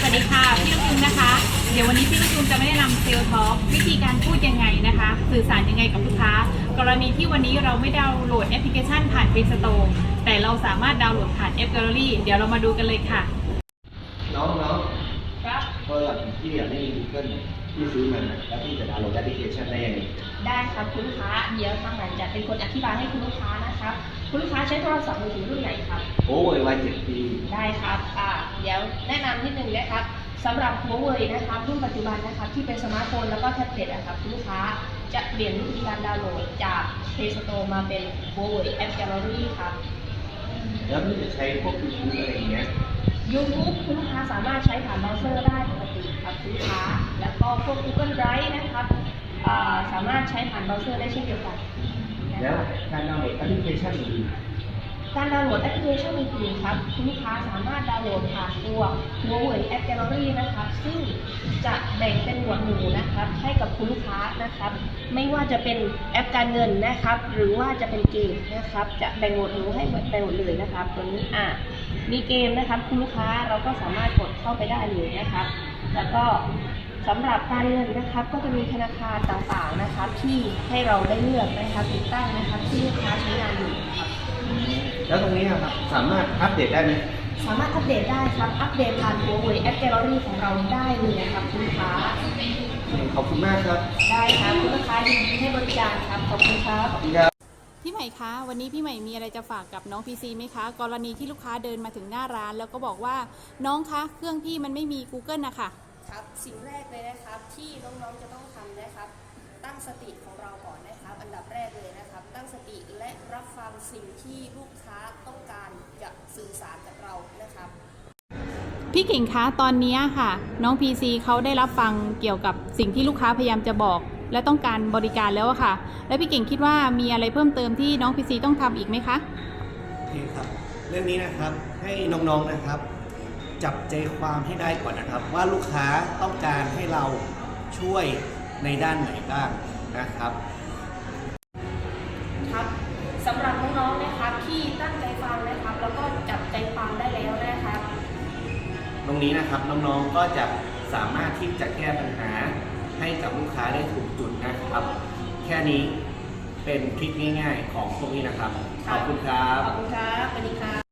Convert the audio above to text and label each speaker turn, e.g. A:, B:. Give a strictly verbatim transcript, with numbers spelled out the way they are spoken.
A: วัสดีค่ะพี่ลูกยุงนะคะเดี๋ยววันนี้พี่ลูกยุงจะไม่ได้นำเซลล์ทอล์กวิธีการพูดยังไงนะคะสื่อสารยังไงกับลูกค้ากรณีที่วันนี้เราไม่ดาวน์โหลดแอปพลิเคชันผ่าน Play Store แต่เราสามารถดาวน์โหลดผ่านแอป Gallery เดี๋ยวเรามาดูกันเลยค่ะ
B: น้องน้อง
A: ครับ
B: โทรศัพท์พี่อยากไม่มี Google พี่ซื้อมันนะแล้วพี่จะดาวน์โหลดแอปพลิเคชันได้ยังไง
C: ได้ครับคุณลูกค้าเดี๋ยวทางหลังจะเป็นคนอธิบายให้คุณลูกค้านะครับคุณลูกค้าใช้โทรศัพท์มือถือรุ่นไหนครับ
B: โอ้ยวัยเจ็ดปี
C: ได้ครับอ่าเดี๋ยวแนะนำนิดนึงนะครับสำหรับ Huawei นะครับรุ่นปัจจุบันนะครับที่เป็นสมาร์ทโฟนแล้วก็แท็บเล็ตนะครับคุณลูกค้าจะเปลี่ยนวิธีการดาวน์โหลดจาก Play Store มาเป็น Huawei App Gallery ครับ
B: แล้วพี่จะใช้พวก YouTube อะไรอย่างเงี้ย
C: YouTube คุณลูกค้าสามารถใช้ผ่านเบราว์เซอร์ได้ปกติครับคุณลูกค้าแล้วก็พวก Google Drive นะครับอ่าสามารถใช้ผ่านเบราว์เซอร์ได้เช่นเดียวกัน
B: แล้วการดาวน์โหลดแอปพลิเคชันอื่น
C: การดาวน์โหลดแอปพลิเคชันอื่นๆครับคุณลูกค้าสามารถดาวน์โหลดผ่านตัว Huawei App Gallery นะครับซึ่งจะแบ่งเป็นหมวดหมู่นะครับให้กับคุณลูกค้านะครับไม่ว่าจะเป็นแอปการเงินนะครับหรือว่าจะเป็นเกมนะครับจะแบ่งหมวดหมู่ให้ไปหมดเลยนะครับตัวนี้อ่ะมีเกมนะครับคุณลูกค้าเราก็สามารถกดเข้าไปได้เลยนะครับแล้วก็สำหรับการเงินนะครับก็จะมีธนาคารต่างๆนะครับที่ให้เราได้เลือกนะครับติดตั้งนะครับที่ลูกค้าใช้งานอยู่ครับ
B: แล้วตรงนี้ครับสามารถอัปเดตได้ไหม
C: สามารถอัปเดตได้ครับอัปเดตผ่าน Huawei App Gallery ของเราได้เลยนะครับคุณลูกค้า
B: ขอบคุณมากครับ
C: ได้ครับคุณลูกค้ายินดีให้บริการครับขอบคุณครับ
A: พี่ใหม่คะวันนี้พี่ใหม่มีอะไรจะฝากกับน้องพีซีไหมคะกรณีที่ลูกค้าเดินมาถึงหน้าร้านแล้วก็บอกว่าน้องคะเครื่องพี่มันไม่มี Google นะคะ
C: ครับสิ่งแรกเลยนะครับที่น้องๆจะต้องทำนะครับตั้งสติของเราก่อนนะครับอันดับแรกเลยนะครับตั้งสติและรับฟังสิ่งที่ลูกค้าต้องการจะสื่อสารกับเรานะครับ
A: พี่เก่งคะตอนนี้ค่ะน้อง พี ซี เขาได้รับฟังเกี่ยวกับสิ่งที่ลูกค้าพยายามจะบอกและต้องการบริการแล้วอะค่ะและพี่เก่งคิดว่ามีอะไรเพิ่มเติมที่น้อง พี ซี ต้องทำอีกไหมคะ
D: โอเคครับเรื่องนี้นะครับให้น้องๆนะครับจับใจความให้ได้ก่อนนะครับว่าลูกค้าต้องการให้เราช่วยในด้านไหนบ้างนะครับ
C: ครับสำหรับน้องๆนะครับที่ตั้งใจฟังนะครับแล้วก็จับใจความได้แล้วนะครับ
D: ตรงนี้นะครับน้องๆก็จะสามารถที่จะแก้ปัญหาให้กับลูกค้าได้ถูกจุดนะครับแค่นี้เป็นทริคง่ายๆของพวกนี้นะครับขอบคุณครับ
C: ขอบคุณครับสวัสดีครับ